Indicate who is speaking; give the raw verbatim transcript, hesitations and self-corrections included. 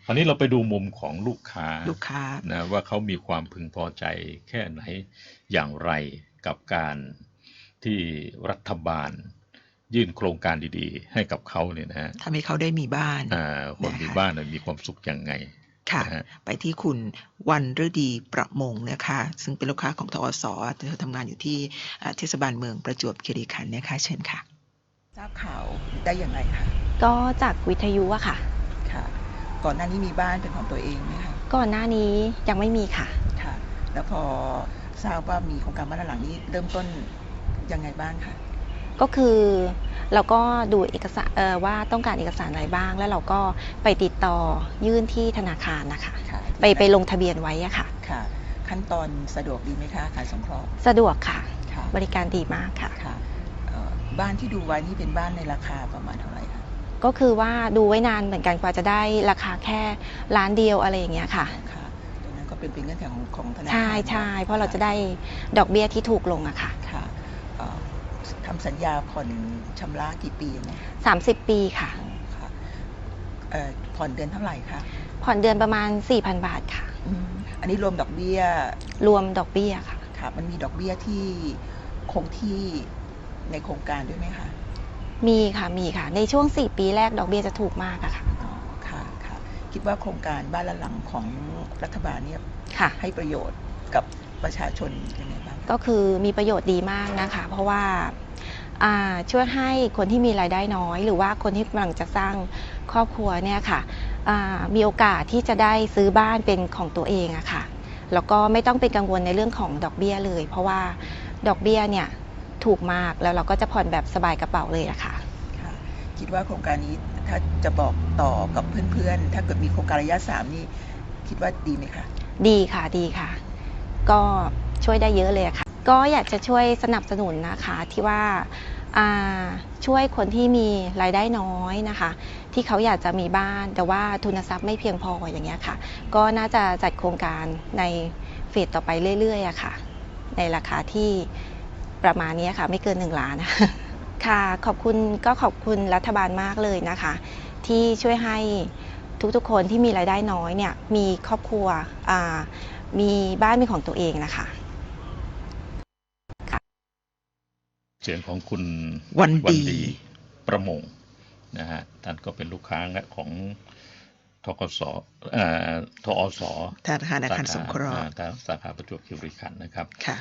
Speaker 1: ราวนี้เราไปดูมุมของลูกค้า
Speaker 2: ลูกค้า
Speaker 1: นะว่าเขามีความพึงพอใจแค่ไหนอย่างไรกับการที่รัฐบาลยื่นโครงการดีๆให้กับเขาเนี่ยนะฮะ
Speaker 2: ทำให้เขาได้มีบ้าน
Speaker 1: คนมีบ้านมีความสุขยังไง
Speaker 2: ค่ะไปที่คุณวันฤดีประมงนะคะซึ่งเป็นลูกค้าของทอสเธอทำงานอยู่ที่เทศบาลเมืองประจวบคีรีขันธ์นะคะเชิญค่ะทราบข่าวได้อย่างไรคะ
Speaker 3: ก็จากวิทยุอะค่ะ
Speaker 2: ค่ะก่อนหน้านี้มีบ้านเป็นของตัวเองไหมคะ
Speaker 3: ก่อนหน้านี้ยังไม่มีค่ะ
Speaker 2: ค่ะแล้วพอทราบว่ามีโครงการบ้านหลังนี้เริ่มต้นยังไงบ้างคะ
Speaker 3: ก็คือเราก็ดูเอกสารว่าต้องการเอกสารอะไรบ้างแล้วเราก็ไปติดต่อยื่นที่ธนาคารนะคะไปไปลงทะเบียนไว้อะค่ะ
Speaker 2: ค่ะขั้นตอนสะดวกดีไหมคะการสงเคราะห์
Speaker 3: สะดวกค่ะบริการดีมากค่ะ
Speaker 2: บ้านที่ดูไว้นี่เป็นบ้านในราคาประมาณเท่าไหร่คะ
Speaker 3: ก็คือว่าดูไว้นานเหมือนกันกว่าจะได้ราคาแค่ล้านเดียวอะไรอย่างเงี้ยค่ะ
Speaker 2: ค่ะตรงนั้นก็เป็นเป็นเงื่อนไขของของธนาคาร
Speaker 3: ใช่ใช่เพราะเราจะได้ดอกเบี้ยที่ถูกลงอะค่ะ
Speaker 2: ค่ะทำสัญญาผ่อนชำระกี่ปีนะ
Speaker 3: สามสิบปีค่ะ
Speaker 2: ค่ะผ่อนเดือนเท่าไหร่คะ
Speaker 3: ผ่อนเดือนประมาณ สี่พัน บาทค่ะ
Speaker 2: อันนี้รวมดอกเบี้ย
Speaker 3: รวมดอกเบี้ยค่ะ
Speaker 2: ค่ะมันมีดอกเบี้ยที่คงที่ในโครงการด้วยไหมคะ
Speaker 3: มีค่ะมีค่ะในช่วงสี่ปีแรกดอกเบี้ยจะถูกมากอะค่ะ
Speaker 2: อ๋อค่ะค่ะคิดว่าโครงการบ้านละหลังของรัฐบาลเนี่ยให้ประโยชน์กับประชาชนยังไงบ้าง
Speaker 3: ก็คือมีประโยชน์ดีมากนะคะเพราะว่าช่วยให้คนที่มีรายได้น้อยหรือว่าคนที่กำลังจะสร้างครอบครัวเนี่ยค่ะมีโอกาสที่จะได้ซื้อบ้านเป็นของตัวเองอะค่ะแล้วก็ไม่ต้องเป็นกังวลในเรื่องของดอกเบี้ยเลยเพราะว่าดอกเบี้ยเนี่ยถูกมากแล้วเราก็จะผ่อนแบบสบายกระเป๋าเลยอะค่ะ
Speaker 2: คิดว่าโครงการนี้ถ้าจะบอกต่อกับเพื่อนๆถ้าเกิดมีโครงการระยะสามนี่คิดว่าดีไหมคะ
Speaker 3: ดีค่ะดีค่ะก็ช่วยได้เยอะเลยค่ะก็อยากจะช่วยสนับสนุนนะคะที่ว่าช่วยคนที่มีรายได้น้อยนะคะที่เขาอยากจะมีบ้านแต่ว่าทุนทรัพย์ไม่เพียงพออย่างเงี้ยค่ะก็น่าจะจัดโครงการในเฟสต่อไปเรื่อยๆอะค่ะในราคาที่ประมาณนี้ค่ะไม่เกินหนึ่งล้านค่ะขอบคุณก็ขอบคุณรัฐบาลมากเลยนะคะที่ช่วยให้ทุกๆคนที่มีรายได้น้อยเนี่ยมีครอบครัวมีบ้านเป็นของตัวเองนะคะ
Speaker 1: เสียงของคุณ
Speaker 2: วันดี
Speaker 1: ประมงนะฮะท่านก็เป็นลูกค้าของทกสทอส
Speaker 2: ธนาคารสงเคราะห์
Speaker 1: สาขาประจวบคีรีขันธ์นะครับ